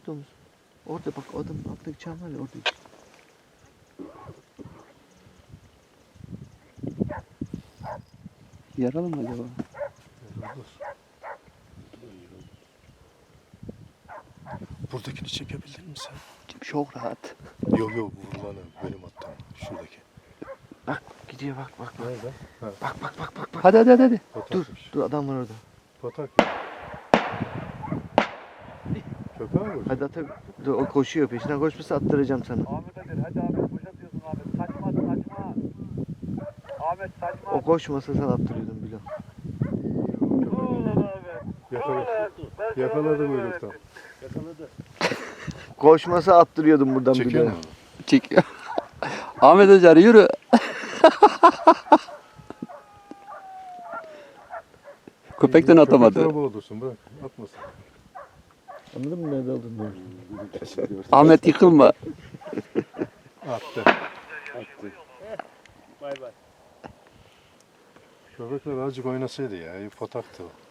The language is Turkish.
köpek domuz. Orada bak adamın altındaki çam var ya orada. Yaralı mı acaba? Buradakini çekebildin mi sen? Çok rahat. Yok vurulanı benim attığım. Şuradaki. Bak gidiyor bak. Nerede? Ha. Bak. Hadi. Dur adam var orada. Patak. Köpeğe mi? Hadi ata. Dur o koşuyor peşinden koşmasa attıracağım sana. Ahmet Ali, hadi Ahmet, boş atıyorsun Ahmet. Saçma. Ahmet saçma. O koşmasa sen attırıyordun Bilal. Ulan Ahmet. Yakaladım uyluktan. Koşmasa attırıyordum buradan Çekiyor Bilal. mu? Çek. Ahmet Acar yürü. Köpekten atamadı. Köpek boğdursun bırak. Atmasın. Anladın mı nerede olduğunu? Ahmet yıkılma. Attı. Bay bay. Köpekler azıcık oynasaydı ya. Pataktı o.